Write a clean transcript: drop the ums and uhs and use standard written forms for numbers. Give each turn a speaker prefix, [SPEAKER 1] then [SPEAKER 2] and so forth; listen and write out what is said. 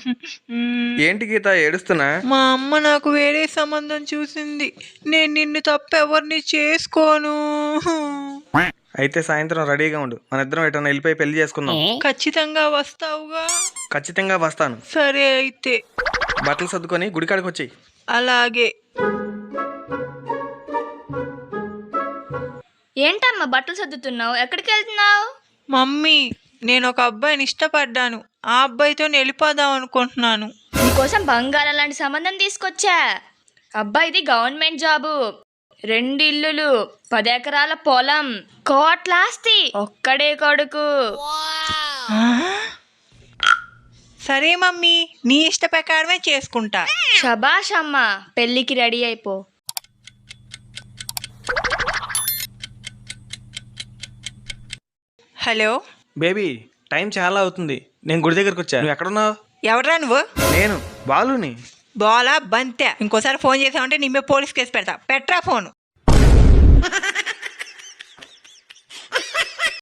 [SPEAKER 1] ఏంటి గీత ఏడుస్తున్నా?
[SPEAKER 2] మా అమ్మ నాకు వేరే సంబంధం చూసింది. నేను నిన్ను తప్ప ఎవరిని చేసుకోను.
[SPEAKER 1] అయితే సాయంత్రం రెడీగా ఉండు, మన ఇద్దరం ఎటన్నా వెళ్ళిపోయి పెళ్లి చేసుకుందాం.
[SPEAKER 2] ఖచ్చితంగా వస్తావుగా?
[SPEAKER 1] ఖచ్చితంగా వస్తాను.
[SPEAKER 2] సరే అయితే.
[SPEAKER 1] బట్టలు సర్దుకొని గుడికాడికి వచ్చి.
[SPEAKER 2] అలాగే.
[SPEAKER 3] ఏంటమ్మా బట్టలు సర్దుతున్నావు? ఎక్కడికి వెళ్తున్నావు?
[SPEAKER 2] మమ్మీ, నేను ఒక అబ్బాయిని ఇష్టపడ్డాను. ఆ అబ్బాయితో వెళ్ళిపోదాం అనుకుంటున్నాను.
[SPEAKER 3] నీకోసం బంగారం లాంటి సంబంధం తీసుకొచ్చా. అబ్బాయిది గవర్నమెంట్ జాబు, 2 ఇల్లులు, 10 ఎకరాల పొలం, కోట్లాస్తి, ఒక్కడే కొడుకు.
[SPEAKER 2] సరే మమ్మీ, నీ ఇష్ట ప్రకారమే చేసుకుంటా.
[SPEAKER 3] శబాష్ అమ్మా, పెళ్ళికి రెడీ అయిపో.
[SPEAKER 2] హలో
[SPEAKER 1] బేబీ, టైం చాలా అవుతుంది, నేను గుడి దగ్గరకు వచ్చా. నువ్వు ఎక్కడున్నావు?
[SPEAKER 2] ఎవరా నువ్వు?
[SPEAKER 1] నేను బాలుని.
[SPEAKER 2] బోలా బంతే, ఇంకోసారి ఫోన్ చేసావంటే నీ మీద పోలీస్ కేసు పెడతా. పెట్రా ఫోను.